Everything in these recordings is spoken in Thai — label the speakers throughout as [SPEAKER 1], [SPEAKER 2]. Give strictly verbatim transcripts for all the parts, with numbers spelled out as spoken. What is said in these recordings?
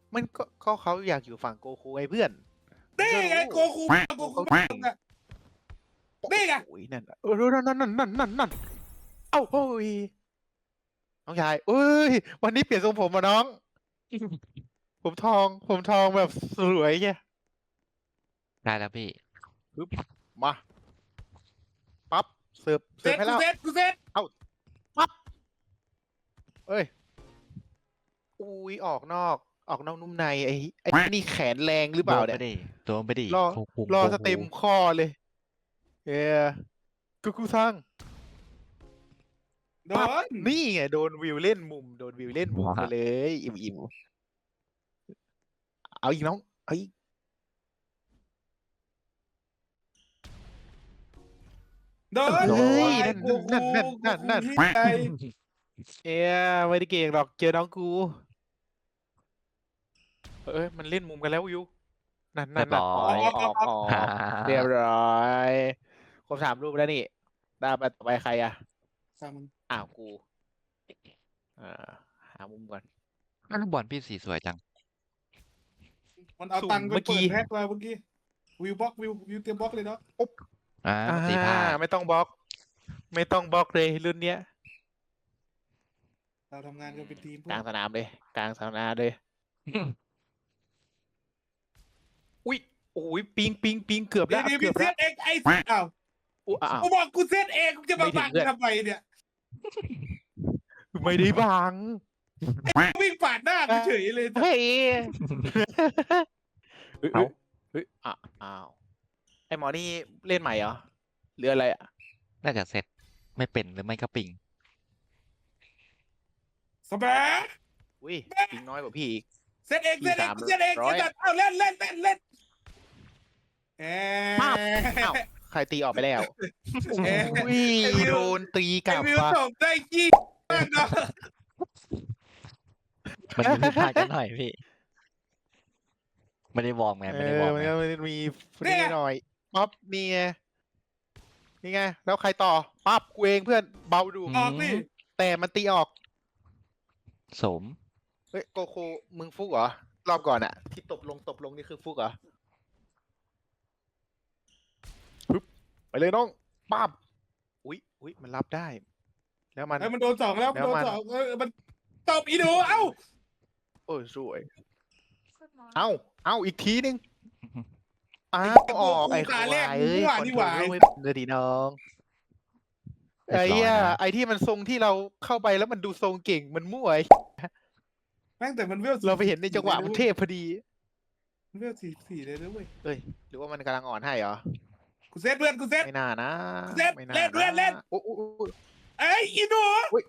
[SPEAKER 1] มันก็ก็เขาอยากอยู่ฝั่งโกคูไงเพื่อนมึง
[SPEAKER 2] นี่
[SPEAKER 1] ก็
[SPEAKER 2] ไง
[SPEAKER 1] รู้
[SPEAKER 2] โกคูโกคู
[SPEAKER 1] เขาเก่ง
[SPEAKER 2] อะนี่ไง
[SPEAKER 1] โอ้ยนั่นน่ะเออนั่นนั่นนั่นนั่นนั่นนั่นเอ้าเฮ้ยน้องชายเอ้ยวันนี้เปลี่ยนทรงผมมาน้อง ผมทองผมทองแบบสวยไง
[SPEAKER 3] ได้แล้วพี่
[SPEAKER 1] ปึ๊บมาปั๊บเสิร์ฟ
[SPEAKER 2] เซ
[SPEAKER 1] เสิร์ฟ
[SPEAKER 2] ต
[SPEAKER 1] ให้
[SPEAKER 2] กู
[SPEAKER 1] แล้ว
[SPEAKER 2] เซตกูเซต
[SPEAKER 1] ปั๊บเอ้ยอุ้ยออกนอกออกนอกนุ่มในไอ้ไอ้นี่แขนแรงหรือเปล่าเนี่ย
[SPEAKER 3] โดนไปดิโดนไปดิ
[SPEAKER 1] รอ
[SPEAKER 3] โคคุง
[SPEAKER 1] รอ
[SPEAKER 3] โค
[SPEAKER 1] สเต็ม
[SPEAKER 3] คุง
[SPEAKER 1] ข้อเลยเออกูกูสร้าง
[SPEAKER 2] โด
[SPEAKER 1] ปั๊บ
[SPEAKER 2] น
[SPEAKER 1] นี่ไงโดนวิวเล่นมุมโดนวิวเล่นมุมไปเลย อิ่มอิ่มเอาอีกน้องเอาอีก
[SPEAKER 2] โดน
[SPEAKER 1] เฮ้ย
[SPEAKER 2] ไอ้
[SPEAKER 1] นั่น
[SPEAKER 2] โกคู
[SPEAKER 1] นั่นนั่นนั่นนั่น
[SPEAKER 2] โกคูที่ไหน
[SPEAKER 1] เอ้ยไม่ได้เก่งหรอกเจอน้องกูเอ้ยมันเล่นมุมกันแล้ววิวนั่นนั่นนั่นออกออกออกเรียบร้อยครบสามรูปแล้วนี่ได้ไปต่อไปใครอ่ะ
[SPEAKER 2] ตามมึง
[SPEAKER 1] อ้าวกูอ่าหามุมก่อน
[SPEAKER 3] อ้าวลูกบอลพี่สีสวยจัง
[SPEAKER 2] มันเอาตังค์ไป
[SPEAKER 1] เมื่อกี้
[SPEAKER 2] เปิดแพ็คมาเมื่อกี้วิวบล็อกวิววิวเตรียมบล็อกเลยเนาะ
[SPEAKER 3] อ่า
[SPEAKER 1] อ่า
[SPEAKER 3] สีผ้า
[SPEAKER 1] ไม่ต้องบล็อก ไม่ต้องบล็อกเลยรุ่นเนี้ย
[SPEAKER 2] เราทำงานกันเป็นทีม
[SPEAKER 1] กลางสนามเลยกลางสนามเลยอุ้ยโอ้ยปิงปิงปิงเกือบ
[SPEAKER 2] เดี๋
[SPEAKER 1] แล้
[SPEAKER 2] ยว
[SPEAKER 1] ว
[SPEAKER 2] เดี๋ยว
[SPEAKER 1] เกื
[SPEAKER 2] มี
[SPEAKER 1] อบ
[SPEAKER 2] เซ
[SPEAKER 1] แล้ว
[SPEAKER 2] ตเองไอ้อ้าว
[SPEAKER 1] อุ๊ยอ้าว
[SPEAKER 2] กูบอกกูเซตเองกูจะมา
[SPEAKER 1] ไม่ถึ
[SPEAKER 2] บั
[SPEAKER 1] ง
[SPEAKER 2] ง
[SPEAKER 1] เพื่อน
[SPEAKER 2] ทำไมเนี่ย
[SPEAKER 1] ไม่ได้บัง
[SPEAKER 2] วิ่งปาดหน้ากูเฉยเลย
[SPEAKER 1] เฮ้ยเฮ้ย
[SPEAKER 3] เอ้า
[SPEAKER 1] เฮ้ยอ่ะอ้าวไอหมอนี่เล่นใหม่เหรอหรืออะไรอ่ะ
[SPEAKER 3] น่าจะเซ็ตไม่เป็นหรือไม่ก็ปิง
[SPEAKER 2] สบาย
[SPEAKER 1] อุ้ยปิงน้อยกว่าพี่อีก
[SPEAKER 2] เซตเองเซตเองกูเซตเอง
[SPEAKER 1] ร้อย
[SPEAKER 2] เซตเอาเล่นเล่นเล่นเล่นเอ๊
[SPEAKER 1] ปั๊บอ้าวใครตีออกไปแล้ว
[SPEAKER 2] เอ๊ะ
[SPEAKER 1] อุ้ย
[SPEAKER 2] ไอ้วิว
[SPEAKER 1] โดนตีก
[SPEAKER 2] ไอ้
[SPEAKER 1] ลับ
[SPEAKER 2] วิว
[SPEAKER 1] ว่ะ
[SPEAKER 2] ส่งได้ยี่มากเนาะ
[SPEAKER 3] มันมีผิดพลาดกันหน่อยพี่ไม่ได้วอร์มไง
[SPEAKER 1] เอ
[SPEAKER 3] ไม่ได้ว
[SPEAKER 1] อ
[SPEAKER 3] อร์ม
[SPEAKER 1] มัน
[SPEAKER 3] ไง
[SPEAKER 1] ก็มีนี่หน่อยปั๊บนี่ไงนี่ไงแล้วใครต่อปั๊บกูเองเพื่อนเบาดู
[SPEAKER 2] ออกนี่
[SPEAKER 1] แต่มันตีออก
[SPEAKER 3] สม
[SPEAKER 1] เฮ้ยโกโคมึงฟุกเหรอรอบก่อนอะที่ตบลงตบลงนี่คือฟุกเหรอปึ๊บไปเลยน้องปั๊บอุ้ยอุ้ยมันรับได้ แล้วมัน
[SPEAKER 2] ไอ้มันโดนสองแล้วมันโดน
[SPEAKER 1] แล้วมัน
[SPEAKER 2] สองเออมันตบอีหนูเอ้า
[SPEAKER 1] โอ้ยสวย เอ้าเอ้าอีกทีนึงอ้าวออกไอ้ควายเอ้ยคอนโทรลไม่เลยดีน้อง
[SPEAKER 3] เรียบ
[SPEAKER 1] ไอ้
[SPEAKER 3] ร้อย
[SPEAKER 1] เหี้ย
[SPEAKER 3] นะ
[SPEAKER 1] ไอ้ที่มันทรงที่เราเข้าไปแล้วมันดูทรงเก่งมันมั่วไอ้
[SPEAKER 2] แม่งแต่มันเวล
[SPEAKER 1] เราไปเห็นในจังหวะมันเทพพอดี
[SPEAKER 2] มันเวลสี่สี่เลยนะเว้ย
[SPEAKER 1] เอ้ยหรือว่ามันกำลังอ่อนให้เหรอ
[SPEAKER 2] กูเซตเพื่อนกูเซต
[SPEAKER 1] ไม่น่านะ
[SPEAKER 2] เล่น
[SPEAKER 1] ไม่น่า
[SPEAKER 2] เล่นเล่นเล่น
[SPEAKER 1] โอ้โอ้โอ้
[SPEAKER 2] ไอ้ยอีหนู
[SPEAKER 1] อุ๊ย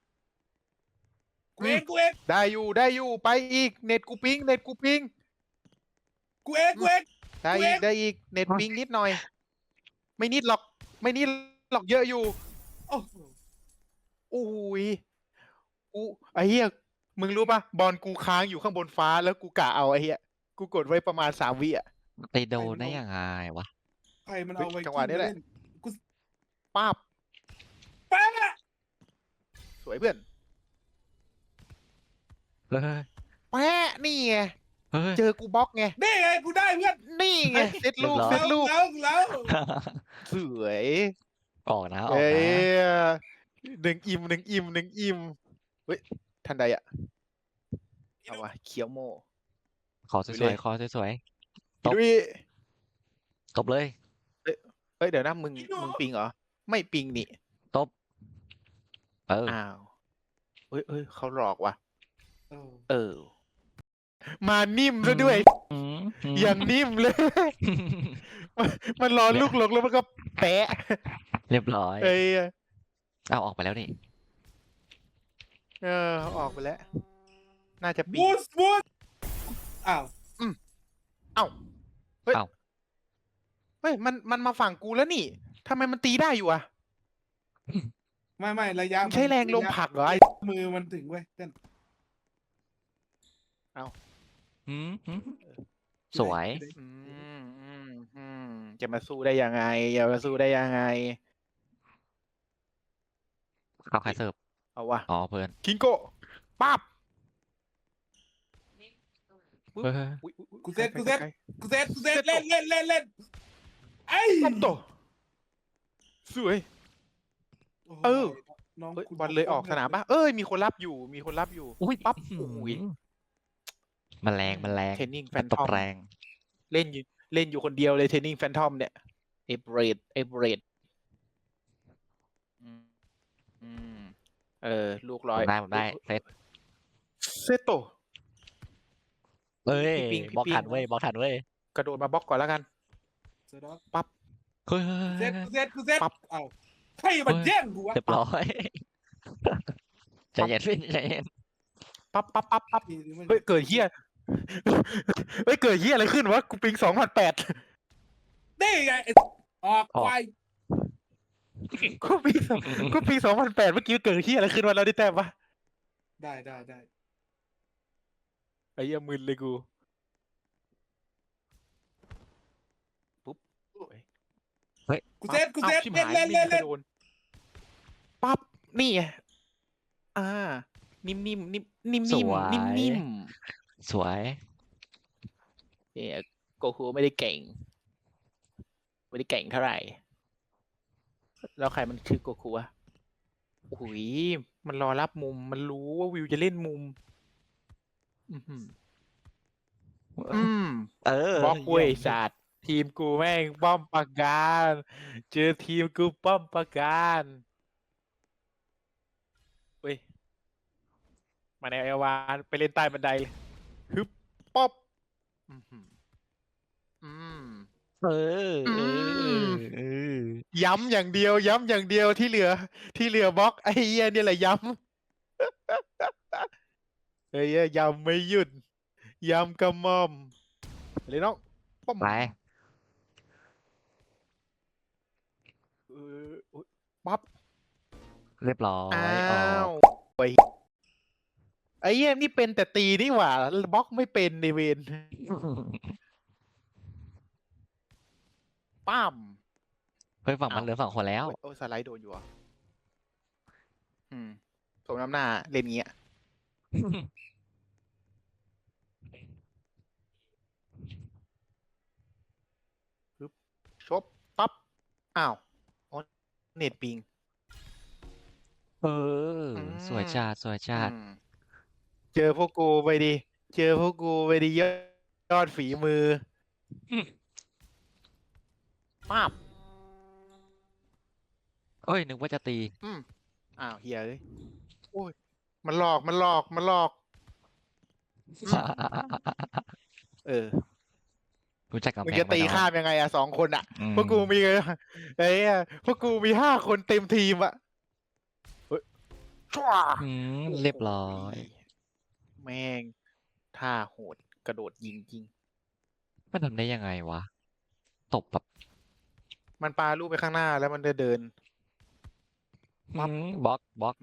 [SPEAKER 2] กูเองกูเอง
[SPEAKER 1] ได้อยู่ได้อยู่ไปอีกเน็ตกูปิงเน็ตกูปิง
[SPEAKER 2] กูเองกูเอง
[SPEAKER 1] ได้
[SPEAKER 2] เว้
[SPEAKER 1] อี
[SPEAKER 2] ย
[SPEAKER 1] กได้อีกเน็ตปิงนิดหน่อย ไม่นิดหรอก ไม่นิดหรอกเยอะอยู่
[SPEAKER 2] โอ้โห
[SPEAKER 1] อุ้ยกูไอ้เหี้ยมึงรู้ปะบอลกูค้างอยู่ข้างบนฟ้าแล้วกูกะเอาไอ้เหี้ยกูกดไว้ประมาณสามวิอ่ะ
[SPEAKER 3] ไปโดนได้ยังไงวะ
[SPEAKER 2] ใครมันเอาไว้
[SPEAKER 1] จังหวะนี้แหละ
[SPEAKER 2] กู
[SPEAKER 1] ป้าบ
[SPEAKER 2] แป๊ะ
[SPEAKER 1] สวยเพื่อน
[SPEAKER 3] เฮ้ย
[SPEAKER 1] แปะนี่ไง
[SPEAKER 3] เฮ้ย
[SPEAKER 1] เจอกูบล็อกไง
[SPEAKER 2] นี่ไงกูได้เพื่อน
[SPEAKER 1] นี่ไงเซตลูก
[SPEAKER 3] เรียบร้อย
[SPEAKER 1] เซตลูก
[SPEAKER 2] แล้วแล้ว
[SPEAKER 1] สวย
[SPEAKER 3] ออกนะออก
[SPEAKER 1] เอ้ย
[SPEAKER 3] นะ
[SPEAKER 1] หนึ่งอิ่มหนึ่งอิ่มหนึ่งอิ่มเฮ้ยทันใดอ่ะเอาวะเคียวโม
[SPEAKER 3] ขอส
[SPEAKER 1] ไปเล
[SPEAKER 3] วย
[SPEAKER 1] ย
[SPEAKER 3] ๆขอสวย ตบ
[SPEAKER 1] ดุย
[SPEAKER 3] ๆตบเลย
[SPEAKER 1] เฮ้ยเดี๋ยวนะมึงมึงปิงเหรอไม่ปิงนี่
[SPEAKER 3] ตบเออ
[SPEAKER 1] อ้าวเฮ้ยเฮ้ยเขาหลอกว่ะ
[SPEAKER 2] เออ
[SPEAKER 1] เออ มานิ่มซะด้วย
[SPEAKER 3] อืมอืม
[SPEAKER 1] อย่างนิ่มเลย มันมันรอลูกหลงแล้วมันก็แปะ
[SPEAKER 3] เรียบร้อย
[SPEAKER 1] เอ้ย
[SPEAKER 3] เอาออกไปแล้วนี่
[SPEAKER 1] เออออกไปแล้ว น่าจะปิง
[SPEAKER 2] บูสบูสอ้าว
[SPEAKER 1] เอ้าเฮ้ย
[SPEAKER 3] เอ้า
[SPEAKER 1] เฮ้ยมันมันมาฝั่งกูแล้วนี่ทำไมมันตีได้อยู่อ่ะ
[SPEAKER 2] ไม่ไม่ระยะ
[SPEAKER 1] มันใช้แรงลมผลักเหรอไอ้
[SPEAKER 2] มือมันถึงเว้ยเต้น
[SPEAKER 3] อืมอืมสวย
[SPEAKER 1] อืมอืมอืมจะมาสู้ได้ยังไงจะมาสู้ได้ยังไง
[SPEAKER 3] เข้าใครเสิร์ฟ
[SPEAKER 1] เอาวะ
[SPEAKER 3] อ๋อเพื่อน
[SPEAKER 1] คิงโก้ปั๊บปึ๊บ
[SPEAKER 3] เฮ้ย
[SPEAKER 1] อุ๊ยอุ๊ยอุ๊ย
[SPEAKER 2] กูเซ็ต
[SPEAKER 1] ไกล
[SPEAKER 2] กูเซ็ต
[SPEAKER 1] ไกล
[SPEAKER 2] กูเซตกูเซตเล่นเล่นเล่นเล่นไอ้
[SPEAKER 1] ๆปั๊บโตสวย
[SPEAKER 2] โอ้โห
[SPEAKER 1] เออ
[SPEAKER 2] น้อง
[SPEAKER 1] เฮ้ย
[SPEAKER 2] คุณ
[SPEAKER 1] บอลเลยออกสนามปะเอ้ยมีคนรับอยู่มีคนรับอยู่
[SPEAKER 3] อุ้ย
[SPEAKER 1] ปั๊บ
[SPEAKER 3] อื้อ
[SPEAKER 1] โอ้ย
[SPEAKER 3] หือมันแรงมันแรง
[SPEAKER 1] เทรนนิ่งแฟ
[SPEAKER 3] มัน
[SPEAKER 1] น
[SPEAKER 3] ต
[SPEAKER 1] ทอบ ม
[SPEAKER 3] แรง
[SPEAKER 1] เล่นอยู่เล่นอยู่คนเดียวเลยเทรนนิ่งแฟนทอมเนี่ยเอเบรดเอเบรดอืมอืมเออ ลูกร้อย
[SPEAKER 3] ผมได้ผมได้เซต
[SPEAKER 1] เซตโต
[SPEAKER 3] เอ้ย
[SPEAKER 1] พี่ปิงพี่
[SPEAKER 3] บล็อก
[SPEAKER 1] ปิง
[SPEAKER 3] ทันเว้ยบล็อกทันเว้ย
[SPEAKER 1] กระโดดมาบล็อกก่อนแล้วกัน
[SPEAKER 2] เสร็จแล้ว
[SPEAKER 1] ปั๊บ
[SPEAKER 3] เฮ้ย
[SPEAKER 2] กูเซตกูเซตกูเซต
[SPEAKER 1] ปั๊บ
[SPEAKER 2] เอ้าใครมันแย่งกูวะ
[SPEAKER 3] เรียบร้อยใจเย็นพี่ใจเย็น
[SPEAKER 1] ปั๊บปั๊บปั๊บปั๊บ
[SPEAKER 2] ทีนี้มัน
[SPEAKER 1] เฮ้ยเกิดเฮีย เฮ้ยเกิดเฮียอะไรขึ้นวะกูปิงสองพันแปด
[SPEAKER 2] นี่ไงไอ้ออกไป
[SPEAKER 1] กูปิงกูปิงสองพันแปดเมื่อกี้เกิดเฮียอะไรขึ้นวะเราได้แต้มปะ
[SPEAKER 2] ได้ได้ได้
[SPEAKER 1] ไอ้เหี้ยมึนเลยกูปุ๊บเฮ้ย
[SPEAKER 2] กูเซตกูเซต
[SPEAKER 1] อ้าชิบ
[SPEAKER 2] เล่น
[SPEAKER 1] หาย
[SPEAKER 2] เล่น
[SPEAKER 1] ไม่
[SPEAKER 2] เล่น
[SPEAKER 1] มีใคร
[SPEAKER 2] เล่น
[SPEAKER 1] โดนปั๊บนี่ไงอ่า นิ่มๆนิ่มนิ่มนิ่ม
[SPEAKER 3] ส
[SPEAKER 1] นิ่ม
[SPEAKER 3] วย
[SPEAKER 1] นิ่มนิ่ม
[SPEAKER 3] สวย
[SPEAKER 1] เนี่ยโกคูไม่ได้เก่ง ไม่ได้เก่งเท่าไหร่ แล้วใครมันคือโกคูวะโอ้ยมันรอรับมุม มันรู้ว่าวิวจะเล่นมุม อือหืออืม
[SPEAKER 3] เออบ
[SPEAKER 1] ล็อกเว้ย
[SPEAKER 3] ยี่ม
[SPEAKER 1] ศาสตร์ทีมกูแม่งป้อมปราการ เจอทีมกูป้อมปราการเว้ย มาในเอวานไปเล่นใต้บันไดเลยฮึบป๊อบอืมหืออืม
[SPEAKER 3] เออเอ
[SPEAKER 1] อืม
[SPEAKER 3] อเออ
[SPEAKER 1] ย้ำอย่างเดียว ย้ำอย่างเดียวที่เหลือ ที่เหลือบล็อกไอ้เหี้ยนี่แหละย้ำ ไอ้เหี้ยย้ำไม่หยุด ย้ำกระหม่อมเลยน้องป้อม
[SPEAKER 3] ไป
[SPEAKER 1] เอออุ๊ยปั๊บ
[SPEAKER 3] เรียบร้อย
[SPEAKER 1] อ้า
[SPEAKER 3] ออก
[SPEAKER 1] วโอ้ยไอ้เหี้ยนี่เป็นแต่ตีนี่หว่าบล็อกไม่เป็นในเวนป้าม
[SPEAKER 3] เฮ้ยฝั่ง
[SPEAKER 1] อ้าว
[SPEAKER 3] มันเหลือสองคนแล้ว
[SPEAKER 1] โอ้ยโอ้ยสไลด์โดนอยู่เหรอ่ะอืมสมน้ำหน้าเล่นงี้อะปึ๊บชบปั๊บ อ้าวอ๋อเน็ตปิง
[SPEAKER 3] เออ
[SPEAKER 1] อืม
[SPEAKER 3] สวยจัดสวยจัด
[SPEAKER 1] อืมเจอพวกกูไปดิ เจอพวกกูไปดิยอดยอดฝีมืออ
[SPEAKER 3] ม
[SPEAKER 1] ป้าบ
[SPEAKER 3] เอ้ยนึกว่าจะตี
[SPEAKER 1] อืมอ้าวเฮียเอ้ยโอ้ย มันหลอกมันหลอกมันหลอก อืม เออ
[SPEAKER 3] รู้จักกำ
[SPEAKER 1] มึง
[SPEAKER 3] แพง
[SPEAKER 1] จะ
[SPEAKER 3] ไหม
[SPEAKER 1] ตี
[SPEAKER 3] น้อง
[SPEAKER 1] ข้ามยังไงอะสองคนอะ
[SPEAKER 3] อืม
[SPEAKER 1] พวกกูมีไอ้เหี้ยพวกกูมีห้าคนเต็มทีมอะเฮ้ยจ้ว
[SPEAKER 3] อืม
[SPEAKER 1] โอ้โห
[SPEAKER 3] เรียบร้อย
[SPEAKER 1] แม่งท่าโหดกระโดดยิงจริง
[SPEAKER 3] มันทำได้ยังไงวะ ตบแบบ
[SPEAKER 1] มันปาลูกไปข้างหน้าแล้วมันจะเดิน ปั๊บ
[SPEAKER 3] อืมบล็อกบล็อก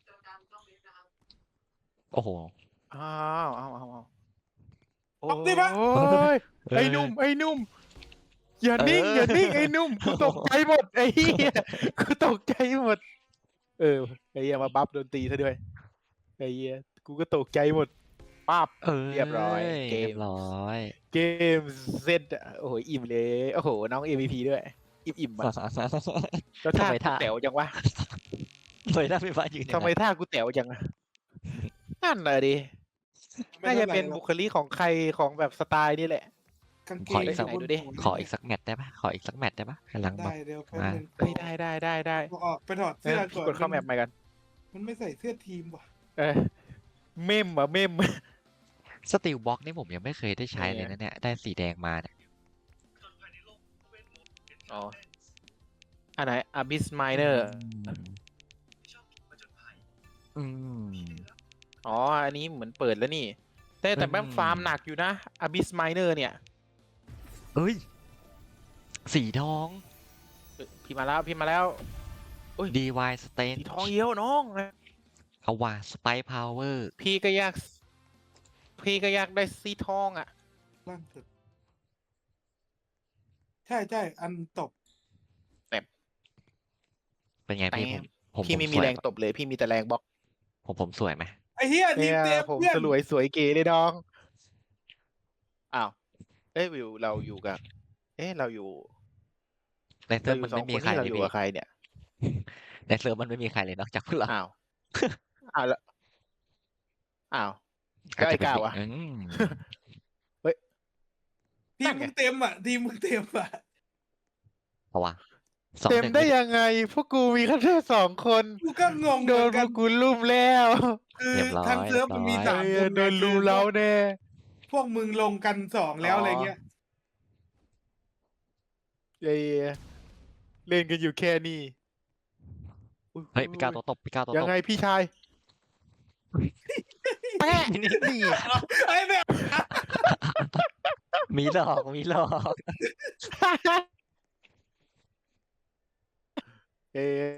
[SPEAKER 3] โอ้โห
[SPEAKER 1] อ้าวอ้าวอ้าวอ้าวโอ้
[SPEAKER 2] ปั๊บดิปะ
[SPEAKER 1] ยไอ้หนุ่มไอ้หนุ่มอย่านิ่ง
[SPEAKER 3] เออ
[SPEAKER 1] อ
[SPEAKER 3] อ
[SPEAKER 1] ย่านิ่งไอ้หนุ่มกูตกใจหมดไอ้เหี้ยกูตกใจหมด เออไอ้เหี้ยมาบัฟโดนตีซะด้วยไอ้เหี้ยกูก็ตกใจหมดป้าบ
[SPEAKER 3] เออ
[SPEAKER 1] เรียบร้อยเกม
[SPEAKER 3] เรียบร้อย
[SPEAKER 1] เกมเซ็ตอะโอ้โหอิ่มเลยโอ้โหน้อง เอ็ม วี พี ด้วย อิ่มอิ่มอะแล้ว
[SPEAKER 3] ทำ
[SPEAKER 1] ท่า
[SPEAKER 3] ไม
[SPEAKER 1] กู
[SPEAKER 3] ท่า
[SPEAKER 1] แต๋วจังวะ
[SPEAKER 3] สวยหน้าไฟฟ้ายืน
[SPEAKER 1] ทำไมท่ากูแต๋วจังอะนั่นเลยดิ
[SPEAKER 2] ไม่
[SPEAKER 1] น่าจะ
[SPEAKER 2] ท่ไหร่
[SPEAKER 1] เป็น
[SPEAKER 2] หรอก
[SPEAKER 1] บุคลิกของใครของแบบสไตล์นี่แหละ
[SPEAKER 2] กางเก
[SPEAKER 3] ของ อีกสัก
[SPEAKER 2] ยู่บน
[SPEAKER 1] ดูดิ
[SPEAKER 2] หัว
[SPEAKER 3] ขออีกสักแมตช์ได้ปะขออีกสักแมตช์ได้ปะกำลังแบ
[SPEAKER 2] ได้
[SPEAKER 3] บ
[SPEAKER 2] เดี๋ยวแป๊บ
[SPEAKER 3] มา
[SPEAKER 2] นึง
[SPEAKER 1] เฮ้ยได้ได้ได้ได้
[SPEAKER 2] เอาออกไปถอด
[SPEAKER 1] เอ
[SPEAKER 2] เสื้อ
[SPEAKER 1] อ
[SPEAKER 2] ก่อน
[SPEAKER 1] กดเข้าแมปใหม่กัน
[SPEAKER 2] มันไม่ใส่เสื้อทีมว่ะ
[SPEAKER 1] เออเมมอะเมม
[SPEAKER 3] สติลบล็อกนี่ผมยังไม่เคยได้ใช้เลยนะเนี่ย ได้สีแดงมาเนี่ย
[SPEAKER 1] อ๋ออันไหน Abyss Miner
[SPEAKER 3] อืม
[SPEAKER 1] อ๋อ อันนี้เหมือนเปิดแล้วนี่ แต่แต่แม่ง
[SPEAKER 3] อืม
[SPEAKER 1] ฟาร์มหนักอยู่นะ Abyss Miner เนี่ย
[SPEAKER 3] เอ้ย สีทอง
[SPEAKER 1] เอ้ยพี่มาแล้วพี่มาแล้ว
[SPEAKER 3] ดีวายสเตน
[SPEAKER 1] สีทองเยี่ยวน้อง
[SPEAKER 3] เอาว่าสไปพาวเวอร์
[SPEAKER 1] พี่ก็อยาก พี่ก็อยากได้สีทองอ่ะ
[SPEAKER 2] ล่างสุดใช่ใช่อันตบ
[SPEAKER 3] เป็นไงพี่
[SPEAKER 1] แต่
[SPEAKER 3] ผมผม
[SPEAKER 1] พี่
[SPEAKER 3] ผม
[SPEAKER 1] ไม่มี
[SPEAKER 3] สวย
[SPEAKER 1] แรงตบเลย พี่มีแต่แรงบล็อก
[SPEAKER 3] ผมผมสวยไหม
[SPEAKER 2] ไอ้เหี้ยที
[SPEAKER 1] เนี่
[SPEAKER 2] ม
[SPEAKER 1] ย
[SPEAKER 2] เต็ม
[SPEAKER 1] ผม
[SPEAKER 2] เพื่อน
[SPEAKER 1] สลวยสวยเก๋เลยน้องเอ้ยวิวเราอยู่กับ เอ๊ะเราอยู่
[SPEAKER 3] ในเซิ
[SPEAKER 1] เรา
[SPEAKER 3] ร์ฟ
[SPEAKER 1] อ
[SPEAKER 3] มัน
[SPEAKER 1] ยู่สอง
[SPEAKER 3] ไม่
[SPEAKER 1] ค
[SPEAKER 3] มี
[SPEAKER 1] น
[SPEAKER 3] ใคร
[SPEAKER 1] นี่เรา
[SPEAKER 3] เลย
[SPEAKER 1] อยู่
[SPEAKER 3] พี่
[SPEAKER 1] กับใครเนี่ย
[SPEAKER 3] ในเซิร์ฟมันไม่มีใครเลยนอกจากพวกเรา
[SPEAKER 1] อ้าว อ้าวแล้วอ้าว
[SPEAKER 3] อาจ
[SPEAKER 1] แล้ว
[SPEAKER 3] จะ
[SPEAKER 1] ไอ้
[SPEAKER 3] เป็น
[SPEAKER 1] ก้าว
[SPEAKER 3] เด็ก
[SPEAKER 1] อะ
[SPEAKER 3] อืม
[SPEAKER 2] ทีมมึงเต็มอ่ะทีมมึงเต็มอ่ะ
[SPEAKER 3] เอาวะสอง
[SPEAKER 1] เต็ม
[SPEAKER 3] หนึ่ง
[SPEAKER 1] ได้
[SPEAKER 3] ไม่ได้
[SPEAKER 1] ยังไง พวกกูมีแค่แค่สองคน
[SPEAKER 2] กูก็งง
[SPEAKER 1] โด
[SPEAKER 2] เหมือน น
[SPEAKER 1] พ
[SPEAKER 2] กั
[SPEAKER 1] วน กกูลุ่มแล้ว
[SPEAKER 2] คือ
[SPEAKER 3] เรียบร้อย
[SPEAKER 2] ทางเซิร์ฟมันมี
[SPEAKER 3] เรียบร้อย
[SPEAKER 2] สาม
[SPEAKER 1] เอ
[SPEAKER 2] ค
[SPEAKER 1] อน โด
[SPEAKER 2] ไง
[SPEAKER 1] น
[SPEAKER 2] คื
[SPEAKER 1] ลุ
[SPEAKER 2] อ
[SPEAKER 1] ม
[SPEAKER 2] พ
[SPEAKER 1] เร้าว
[SPEAKER 2] ก
[SPEAKER 1] แน่
[SPEAKER 2] พวกมึงลงกันสองแล้ว
[SPEAKER 1] อ๋ออ
[SPEAKER 2] อะไรเงี้ย
[SPEAKER 1] เอ้ยเล่นกันอยู่แค่นี้อุ๊
[SPEAKER 3] เฮ้ยพี่ก้าวตัวตบพี่ก้าวตัว
[SPEAKER 1] ยั
[SPEAKER 3] ต
[SPEAKER 1] ง
[SPEAKER 3] บ
[SPEAKER 1] ไงพี่ชาย แปะ
[SPEAKER 3] นี่นี่
[SPEAKER 2] ไอ้แบบ
[SPEAKER 3] มีหลอกมีหลอก
[SPEAKER 1] เอ๊ะ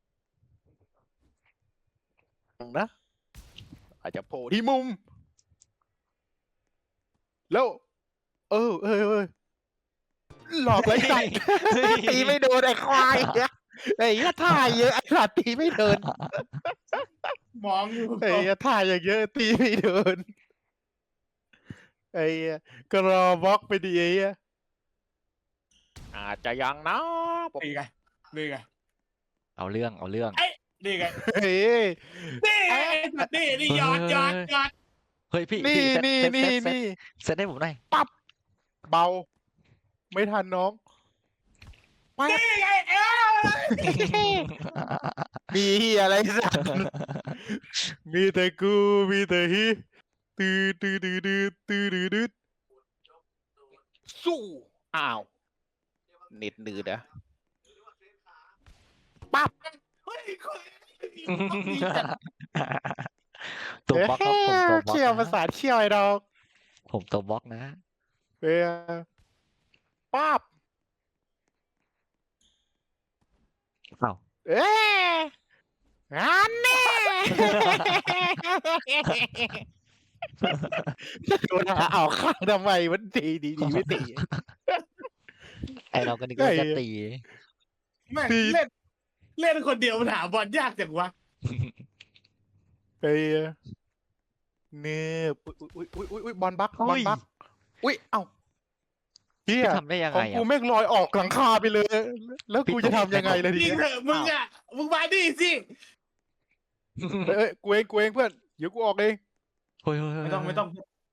[SPEAKER 1] นะ อาจจะโผล่ที่มุม แล้ว เออเออเออหลอกไรสัตว์ ตีไม่โดนไอ้ควายเนี่ยไอ้เหี้ยท่าเยอะไอ้สัตว์ตีไม่โดน
[SPEAKER 2] มองอยู่
[SPEAKER 1] ไอ้เหี้ยท่าอย่างเยอะตีไม่โดนไอ้เหี้ยก็รอบล็อกไปดีไอ้เหี้ยอาจจะยังนะผม
[SPEAKER 2] นี่ไงนี่ไง
[SPEAKER 3] เอาเรื่องเอาเรื่อง
[SPEAKER 2] นี่ไง
[SPEAKER 1] เฮ้ย
[SPEAKER 2] นี่ไงนี่นี่ยอดยอดยอด
[SPEAKER 3] เฮ้ยพี่
[SPEAKER 1] นี่
[SPEAKER 3] พี่เซต
[SPEAKER 1] นี่
[SPEAKER 3] เซต
[SPEAKER 1] นี่
[SPEAKER 3] เซต
[SPEAKER 1] นี่
[SPEAKER 3] เซตให้ผมหน่อย
[SPEAKER 1] ปั๊บเบา ไม่ทันน้องปั๊บ
[SPEAKER 2] นี่ไงเออ
[SPEAKER 1] มีเหี้ยอะไรสัก มีแต่กูมีแต่ฮิตื้อตื้อตื้อตื้อตื้อตื้อตื้อสู้อ้าวเน็ตหนืดอะปั๊บ
[SPEAKER 2] เฮ้ยคน
[SPEAKER 3] ตัวบล็อกครับผมตัวบล็อก
[SPEAKER 1] เชี่ยวประ
[SPEAKER 3] นะ
[SPEAKER 1] สานเชี่ยวไอ้ดอก
[SPEAKER 3] ผมตัวบล็อกนะ
[SPEAKER 1] เอ้ยปั๊บ
[SPEAKER 3] เอ้า
[SPEAKER 1] เอ้ยอันนี้ โดนหาเอาข้างทำไมมันตีดีดีไม่ตี
[SPEAKER 3] ไอเราก็นึกว่า
[SPEAKER 1] เฮ้ย
[SPEAKER 3] จะตี
[SPEAKER 2] แม่ง
[SPEAKER 1] ตี
[SPEAKER 2] เล่นเล่นคนเดียวมันหาบอลยากจังวะ
[SPEAKER 1] เอ้ยเนี่ยอุ้ยอุ้ยอุ้ยอุ้ยอุ้ยบอลบักบอลบักอุ้ยเอ้าเฮีย
[SPEAKER 3] พี่ทำได้ยัง
[SPEAKER 1] ขอ
[SPEAKER 3] ไง
[SPEAKER 1] ง
[SPEAKER 3] อ่ะ
[SPEAKER 1] กูแม่งลอยออกหลังคาไปเลย แล้วกูจะทำยังไงล่ะที
[SPEAKER 2] ยิง
[SPEAKER 1] เนี้ย
[SPEAKER 2] เถอะมึงอ่ะมึงมาดิสิ
[SPEAKER 1] เอ้ยเอ้ยกูเองกูเองเพื่อนเดี๋ยวกูออกเอง
[SPEAKER 3] เฮ้ยเฮ้ยเฮ้ย
[SPEAKER 2] ไม่ต้องไม่ต้อง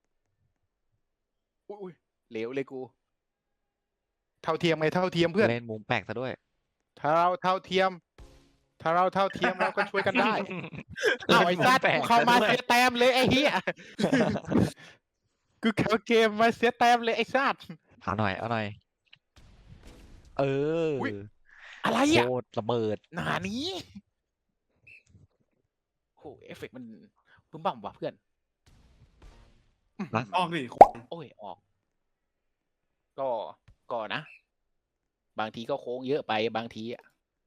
[SPEAKER 1] อุ้ยอุ้ยเหลวเลยกู เท่าเทียมไงเท่าเทียมเพื่อน
[SPEAKER 3] เล่นมุมแปลกซะด้วย
[SPEAKER 1] ถ้าเราเท่าเทียม ถ้าเราเท่าเทียมเราก็ช่วยกันได้เอาไอ้ซัดกูเข้ามาเสียแต้มเลยไอ้เหี้ยกูเข้าเกมมาเสียแต้มเลยไอ้ซัด
[SPEAKER 3] เอาหน่อยเอาหน่อย เอออย
[SPEAKER 1] อะไร
[SPEAKER 3] โค
[SPEAKER 1] อ่ะ
[SPEAKER 3] ตรระเบิด
[SPEAKER 1] หนานี้โอ้เอฟเฟกต์มันบึ้มบั่มว่ะเพื่อน
[SPEAKER 2] ออกดิ
[SPEAKER 1] โอ้ยออก ก็ก็นะ บางทีก็โค้งเยอะไปบางทีอ่ะ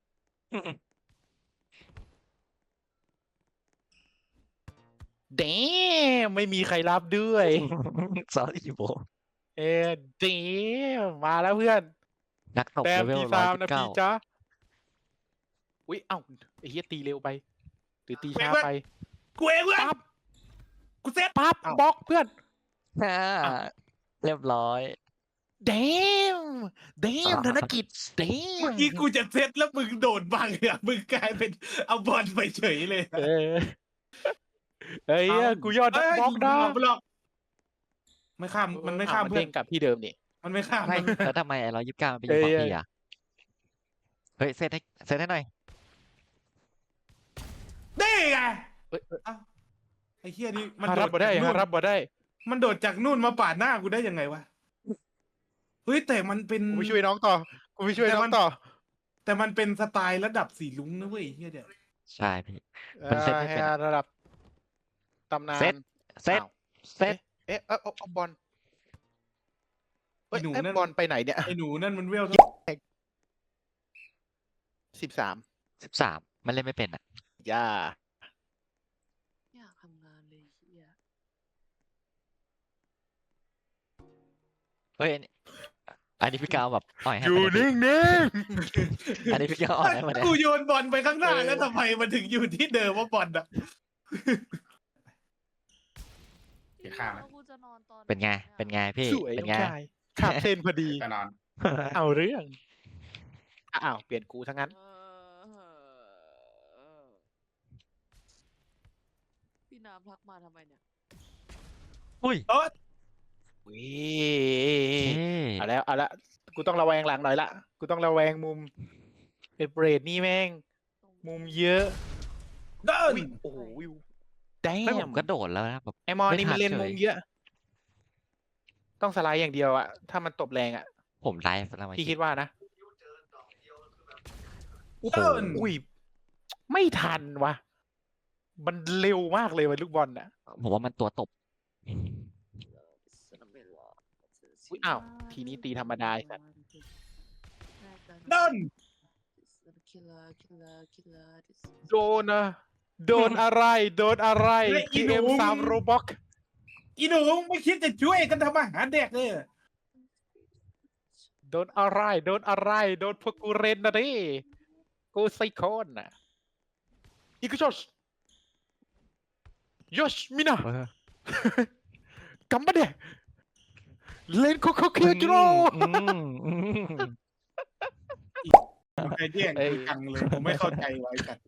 [SPEAKER 1] เดมไม่มีใครรับด้วย
[SPEAKER 3] สอรี่โบ
[SPEAKER 1] เออเดมมาแล้วเพื่อน
[SPEAKER 3] นักตบ
[SPEAKER 1] แต้ม
[SPEAKER 3] เลเวล
[SPEAKER 1] ที่
[SPEAKER 3] ร้อ
[SPEAKER 1] สาย ม
[SPEAKER 3] สิ
[SPEAKER 1] นะ
[SPEAKER 3] บเก้า
[SPEAKER 1] พี่จ๊ะอุ้ยเอ้าไอ้เหี้ยตีเร็วไป หรือตีช้าไป
[SPEAKER 2] กูเองเว้ย
[SPEAKER 1] ปั๊บ
[SPEAKER 2] กูเซ็ต
[SPEAKER 1] ปั๊บบล็อกเพื่อน
[SPEAKER 3] อ่าเรียบร้อย
[SPEAKER 1] เดมเดมธนกิจเดม
[SPEAKER 2] เมื่อกี้กูจะเซ็ตแล้วมึงโดดบังอ่ะมึงกลายเป็นเอาบอลไปเฉยเลย
[SPEAKER 1] เออเฮ้ยกูยอดนักบล็อกนะ
[SPEAKER 2] ไม่หรอกไม่ข้ามมันไม่ข้าม
[SPEAKER 1] อ่ะ
[SPEAKER 2] เพื่อ
[SPEAKER 1] เด้
[SPEAKER 2] น
[SPEAKER 1] งกลับที่เดิมนี่
[SPEAKER 2] มันไม่ข้าม
[SPEAKER 3] ไม่แล้วทำไมไอ้ร้อยยี่สิบเก้ามันไปอยู่ฝั่ง
[SPEAKER 1] เอ้ย
[SPEAKER 3] พี่อ่ะ เฮ้ยเซตให้เซตให้หน่อย
[SPEAKER 2] นี่ไง
[SPEAKER 1] เอ้ยเอ้ย
[SPEAKER 2] เอ้าไอ้เฮียนี่มัน
[SPEAKER 1] ฮา
[SPEAKER 2] โด
[SPEAKER 1] รั
[SPEAKER 2] ด
[SPEAKER 1] บบ่ได้
[SPEAKER 2] จาก
[SPEAKER 1] ฮา
[SPEAKER 2] นู่น
[SPEAKER 1] รับบ่ได้
[SPEAKER 2] มันโดดจากนู่นมาปาดหน้ากูได้ยังไงวะเฮ้ยแต่มันเป็น
[SPEAKER 1] กูไปช่วยน้องต่อ กูไปช่วย
[SPEAKER 2] แต่
[SPEAKER 1] น้อ
[SPEAKER 2] มั
[SPEAKER 1] ง
[SPEAKER 2] น
[SPEAKER 1] ต่อ
[SPEAKER 2] แต่มันเป็นสไตล์ระดับสีลุ้งนะเว้ยไอ้เฮียเดี๋ยว
[SPEAKER 3] ใช่พี่ มันเซตไม่เป็น
[SPEAKER 1] อ่าระดับตำนาน
[SPEAKER 3] เซต เซต
[SPEAKER 1] อ้าว
[SPEAKER 3] เซต
[SPEAKER 1] เอ๊ะเอ๊ะเอาเอาบอลเอ้
[SPEAKER 2] ไอ้
[SPEAKER 1] ย
[SPEAKER 2] หนู
[SPEAKER 1] เอ๊ะ
[SPEAKER 2] นั่น
[SPEAKER 1] บอลไปไหนเนี่ย
[SPEAKER 2] ไอ้หนูนั่นมันเวล
[SPEAKER 1] สิบสาม
[SPEAKER 3] สิบสามมันเล่นไม่เป็นอ่ะ
[SPEAKER 1] ย่า
[SPEAKER 4] อยากทำงานเลยเฮีย
[SPEAKER 3] เฮ้ยอันนี้อันนี้พี่กาวแบบอ่อยให้
[SPEAKER 1] อยู่
[SPEAKER 3] มาเนี่ย
[SPEAKER 1] นิ่ง
[SPEAKER 3] พี่อันนี้พี่กาวอ่อยให้มาเนี่ย
[SPEAKER 2] กูโยนบอลไปข้างหน้าแล้วทำไมมันถึงอยู่ที่เดิมว่าบอลอ่ะ ข้ามไหม
[SPEAKER 4] แล้วกูจะนอนตอน
[SPEAKER 3] เป็นไง
[SPEAKER 4] หอะ
[SPEAKER 3] เป็นไงพี่
[SPEAKER 1] ๆสวย
[SPEAKER 3] เป็น
[SPEAKER 1] น้อง
[SPEAKER 3] ไง
[SPEAKER 1] ชายขับเส้นพอดี
[SPEAKER 2] แน่นอน
[SPEAKER 1] เอาเรื่องอ้าวเปลี่ยนกูทั้งนั้น
[SPEAKER 4] เออพี่น้ำทักมาทำไมเนี่ย
[SPEAKER 3] อุ้ย
[SPEAKER 2] เออ
[SPEAKER 1] วิ
[SPEAKER 3] เท่
[SPEAKER 1] เอาแล้วเอาละกูต้องระแวงหลังหน่อยละกูต้องระแวงมุมเอ็ดเบรดนี่แม่ง มุมเยอะ
[SPEAKER 2] เดิน
[SPEAKER 1] อุ๊ยโอ้โหวิวแด
[SPEAKER 3] ไม่ผม
[SPEAKER 1] ม
[SPEAKER 3] กระโดดแล้วนะแบบ
[SPEAKER 1] ไอมอน
[SPEAKER 3] ไม่
[SPEAKER 1] นี่
[SPEAKER 3] ทั
[SPEAKER 1] มัน นเล่น
[SPEAKER 3] เฉย
[SPEAKER 1] มุมเยอะ ต้องสไลด์อย่างเดียวอะถ้ามันตบแรงอะ
[SPEAKER 3] ผมไลฟ์แล้วมา
[SPEAKER 1] พี่คิดว่านะ
[SPEAKER 3] โอ้โห
[SPEAKER 2] เดิน
[SPEAKER 1] อุ้ยไม่ทันวะมันเร็วมากเลยวันลูกบอลน่ะ
[SPEAKER 3] ผมว่ามันตัวตบ
[SPEAKER 1] อุ๊ยอ้าวทีนี้ตีธรรมดาไอ้สัตว์
[SPEAKER 2] เดิน
[SPEAKER 1] โดนอะโดนอะไรโดนอะไร จีเอ็ม สามโรบ็อก
[SPEAKER 2] อีหนูไม่คิดจะช่วยกันทำอาหารเด็กเลย
[SPEAKER 1] โดนอะไรโดนอะไรโดนพวกกูเรนนะดิกูไซโคนน่ะอีกชอชยชมินะ
[SPEAKER 3] เออ
[SPEAKER 1] กัมบะเดเลนโคโคเคียจิโร่
[SPEAKER 3] อืมอืม
[SPEAKER 2] ใครแย่งกูจังเลยผมไม่เข้าใจไว้กัน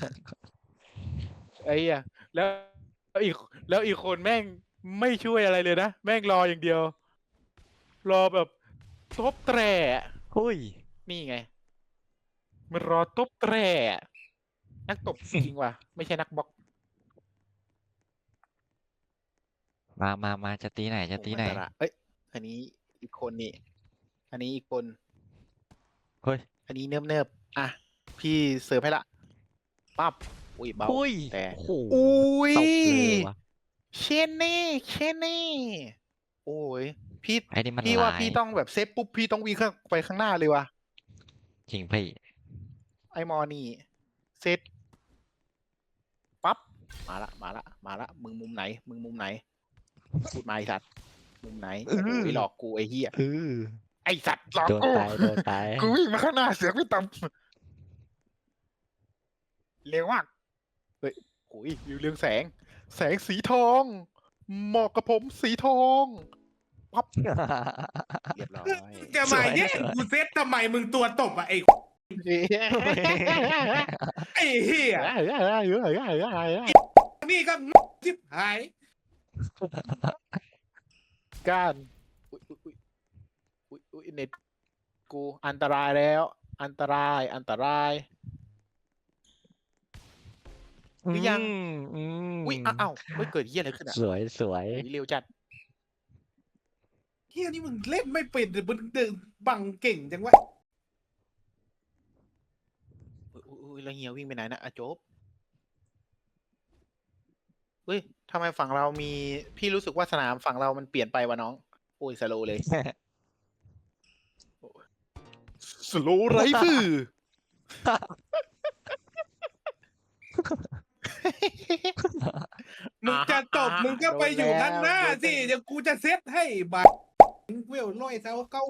[SPEAKER 1] ไอ้เหี้ยแล้วแล้วอีกแล้วอีกคนแม่งไม่ช่วยอะไรเลยนะ แม่งรออย่างเดียว รอแบบตบแตรอะ
[SPEAKER 3] หุ้ย
[SPEAKER 1] นี่ไง มันรอตบแตรอะนักตบ จริงว่ะ ไม่ใช่นักบล็อก
[SPEAKER 3] มามามาจะตีไหนจะตีไหน
[SPEAKER 1] โอ้มัตระเอ้ย อันนี้อีกคนนี่ อันนี้อีกคน
[SPEAKER 3] เฮ้ย
[SPEAKER 1] อันนี้เนิบเนิบๆอ่ะ พี่เสิร์ฟให้ละปั๊บอุ้ยเบา
[SPEAKER 3] อุ้ย
[SPEAKER 1] แต่
[SPEAKER 3] โอ้โห
[SPEAKER 1] อุ้ย
[SPEAKER 3] ตบเลยวะ
[SPEAKER 1] เชนนี่เชนนี่ โอ้ย พี่
[SPEAKER 3] ไอ้นี่มัน
[SPEAKER 1] พี่ว่า
[SPEAKER 3] ลาย
[SPEAKER 1] พี่ต้องแบบเซฟปุ๊บ พี่ต้องวิ่งข้างไปข้างหน้าเลยว่ะ
[SPEAKER 3] จริงพี่
[SPEAKER 1] ไอมอนี่เซตปั๊บ มาละ มาละ มาละ มึงมุมไหน มึงมุมไหน พูดมาไอสัตว์ มุมไหน โอ้โหหลอกกูไอเหี้ย
[SPEAKER 3] เออ
[SPEAKER 1] ไอสัตว์หลอก
[SPEAKER 3] โดน
[SPEAKER 1] กู
[SPEAKER 3] ตายโดนตาย
[SPEAKER 1] กูวิ่งมาข้างหน้าเสือกไม่ต่ำเร็วมาก เฮ้ยโอ้ยวิวเรืองแสง แสงสีทอง เหมาะกับผมสีทอง ปั๊บ เรียบร้อย
[SPEAKER 2] จะมาแย่งกูเซตทำไมมึงตัวตบอะไอ้ไอ้เหี้ยนี่ก็ชิบหาย
[SPEAKER 1] ก้านอุ๊ยอุ๊ยอุ๊ยอุ๊ยอุ๊ยเน็ตกูอันตรายแล้ว อันตรายอันตราย หรือยัง
[SPEAKER 3] อืม
[SPEAKER 1] อุ้ยอ้าวอ้าวไม่เกิดเหี้ยอะไรขึ้นอ่ะ
[SPEAKER 3] สวยสวย
[SPEAKER 1] อุ๊ยเร็วจัด
[SPEAKER 2] เหี้ยนี่มึงเล่นไม่เป็นแต่มึงเดินบังเก่งจังวะ
[SPEAKER 1] อุ๊ยอุ๊ยอุ๊ยแล้วเฮียวิ่งไปไหนนะอะโจ๊บเฮ้ยทำไมฝั่งเรามีพี่รู้สึกว่าสนามฝั่งเรามันเปลี่ยนไปวะน้อง โอ้ยสโลเลย สโลไรฟือ
[SPEAKER 2] มึงจะตบ
[SPEAKER 1] อ่า
[SPEAKER 2] มึงก็ไปอยู่ข้างหน้า
[SPEAKER 1] โดนแล้ว
[SPEAKER 2] สิเดี๋ยวกูจะเซตให้บาทเวลร้อยเท้าเก้า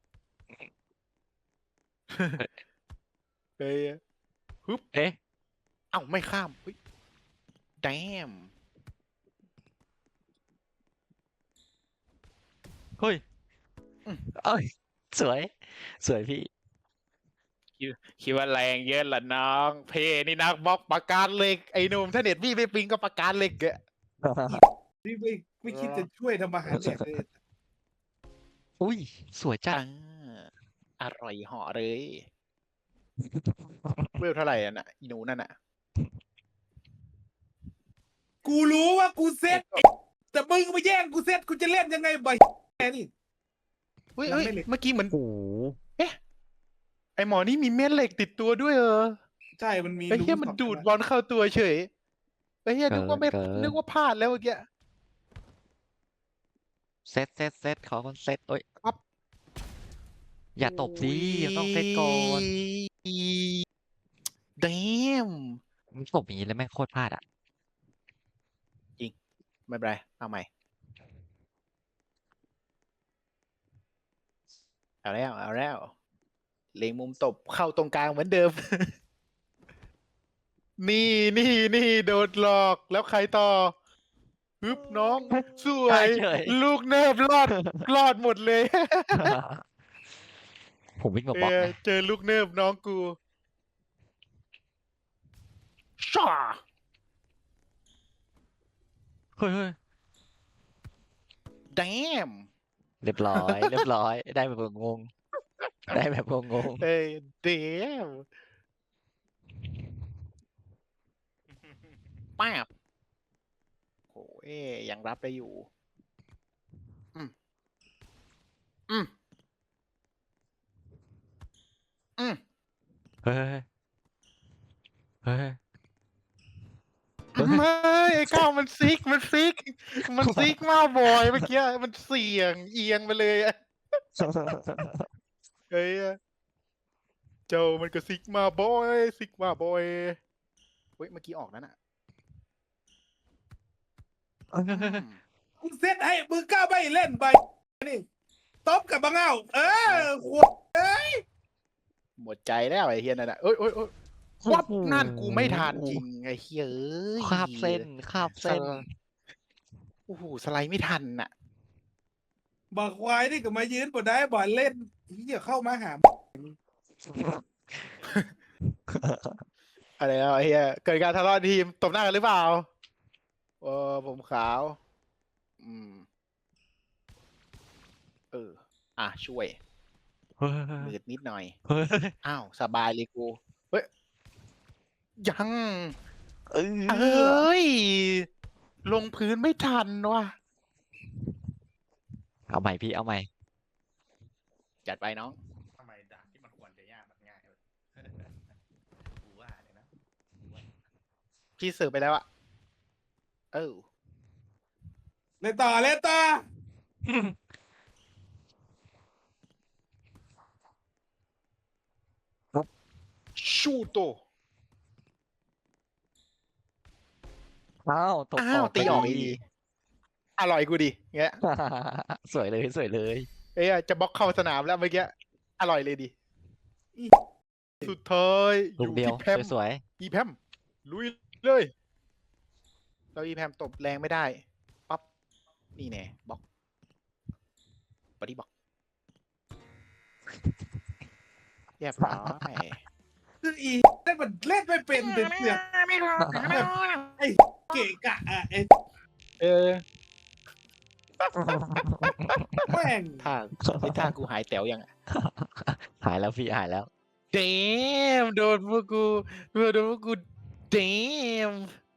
[SPEAKER 1] เฮ้ยฮึบ
[SPEAKER 3] เอ๊ะ
[SPEAKER 1] เอ้าไม่ข้ามเฮ้ยแดม
[SPEAKER 3] เฮ้ย
[SPEAKER 1] อืม
[SPEAKER 3] เอ้ยสวย สวยพี่
[SPEAKER 1] คิดว่าแรงเยอะละน้อง เพนี่นักบล็อกปากกาเหล็กไอ้หนุ่มถ้าเน็ตพี่ไม่ปิงก็ปากกาเหล็กอะ
[SPEAKER 2] นี่ไม่ไม่คิดจะช่วยทำอาหารเด็กเลย
[SPEAKER 3] อุ้ย สวยจัด
[SPEAKER 1] อ่าอร่อยเหาะเลย เวลเท่าไหร่อ่ะน่ะอีหนูนั่นน่ะ
[SPEAKER 2] กูรู้ว่ากูเซตแต่มึงมาแย่งกูเซตกูจะเล่นยังไงบ่แค่นี่
[SPEAKER 1] เฮ้ย
[SPEAKER 2] ยัง
[SPEAKER 1] เฮ้ย
[SPEAKER 2] ไม่เหล็ก
[SPEAKER 1] เมื่อกี้เหมือน
[SPEAKER 3] โอ้โห
[SPEAKER 1] ไอหมอนี่มีเม็ดเหล็กติดตัวด้วยเออ
[SPEAKER 2] ใช่มันมี
[SPEAKER 1] ไอ้เหี้ยมัน
[SPEAKER 2] รู
[SPEAKER 1] ดูด
[SPEAKER 2] สอง
[SPEAKER 1] บอลเข้าตัวเฉยไอ้เหี้ยนึกว่าไม่
[SPEAKER 3] เกิน
[SPEAKER 1] นึกว่าพลาดแล้วเมื่อกี้
[SPEAKER 3] เซตเซตเซตขอคนเซตโอ้ย
[SPEAKER 1] ปั๊บ
[SPEAKER 3] อย่าตบสิต้องเซตก่อน
[SPEAKER 1] เดม
[SPEAKER 3] มันตบอย่างนี้แล้วแม่งโคตรพลาดอ่ะ
[SPEAKER 1] ไม่เป็นไรเอาใหม่ เอาแล้ว เอาแล้ว เล็งมุมตบเข้าตรงกลางเหมือนเดิม นี่นี่นี่โดนหลอกแล้วใครต่อฮึบน้องสว
[SPEAKER 3] ได้
[SPEAKER 1] ย
[SPEAKER 3] เฉย
[SPEAKER 1] ลูกเนิบรอดรอดหมดเลย
[SPEAKER 3] ผมวิ่งมา
[SPEAKER 1] เอบ
[SPEAKER 3] ล็อก
[SPEAKER 1] อ
[SPEAKER 3] นะ
[SPEAKER 1] เจอลูกเนิบน้องกูช่า
[SPEAKER 3] เฮ้ยเฮ้ย
[SPEAKER 1] แดม
[SPEAKER 3] เรียบร้อย เรียบร้อย ได้แบบงงๆได้แบบงง
[SPEAKER 1] เอ้ยเดมป้าบโอ้ยยังรับได้อยู่ อืม อืม อืม
[SPEAKER 3] ๆเฮ้ยเฮ้ยเฮ้ย
[SPEAKER 1] ไม่ไอ้ก้าวมันซิก มันซิก มันซิกมากบอยเมื่อกี้ มันเสี่ยงเอียงไปเลยอะเฮ้ยเจ้ามันก็ซิกมาบอยซิกมาบอยเฮ้ยเมื่อกี้ออกนั่นอ่ะอืม
[SPEAKER 2] กูเซตให้มึงกล้าไปเล่นไปนี่ตบกับบังเอาเออขวด
[SPEAKER 1] หมดใจแล้วไอ้เฮียนั่นน่ะเอ้ยเอ้ยเอ้ยวับนั่นกูไม่ทานจริงไอ้เฮียเอ้ย
[SPEAKER 3] คาบเส้นคาบเส้น
[SPEAKER 1] โอ้โหสไลด์ไม่ทันน่ะ
[SPEAKER 2] บักควายนี่ก็มายืนบนได้บ่อนเล่นเหี้ยเข้ามาหา
[SPEAKER 1] อะไรแล้วไอ้เฮียเกิดการทะเลาะทีมตบหน้ากันหรือเปล่าเออผมขาว อืม เออ อ่ะช่วย
[SPEAKER 3] เฮ้ย
[SPEAKER 1] มืดนิดหน่อย
[SPEAKER 3] เฮ้ย
[SPEAKER 1] อ้าวสบายเลยกูเฮ้ยยัง
[SPEAKER 3] เอ
[SPEAKER 1] เอ
[SPEAKER 3] อ้
[SPEAKER 1] ย ลงพื้นไม่ทันว่ะ
[SPEAKER 3] เอาใหม่พี่เอาใหม่
[SPEAKER 1] จัดไปน้อง
[SPEAKER 2] ทำไมด่านที่มันควรจะยากมันง่ายเลยกูว่าเลยนะ
[SPEAKER 1] พี่เสิร์ฟไปแล้วอะเออ
[SPEAKER 2] เล่นต่อเล่นต่อ
[SPEAKER 1] ชูโต
[SPEAKER 3] อ้าวตก
[SPEAKER 1] อ้าวตีออกอีกดีอร่อยกูดิเงี้ย
[SPEAKER 3] สวยเลยสวยเลย
[SPEAKER 1] เอ้ยจะบล็อกเข้าสนามแล้วเมื่อกี้อร่อยเลยดิสุดท้ายอ
[SPEAKER 3] ลูก
[SPEAKER 1] ยู่
[SPEAKER 3] เดียว
[SPEAKER 1] ที่แพม
[SPEAKER 3] สวย
[SPEAKER 1] อีแพมลุยเลยเราอีแพมตบแรงไม่ได้ปั๊บนี่แน่บล็อกบอดี้บล็อกเรียบร้อย
[SPEAKER 2] คืออีเล่นมันเล่นไม่เป็นเป็นเสือกไอ้เกะกะอ่ะไอ้
[SPEAKER 1] เออ
[SPEAKER 2] แม่ง
[SPEAKER 1] ท่าไอ้ท่ากูหายแต๋วยังอะ
[SPEAKER 3] ๆหายแล้วพี่หายแล้ว
[SPEAKER 1] เดมโดนพวกกูโดนพวกกูเดม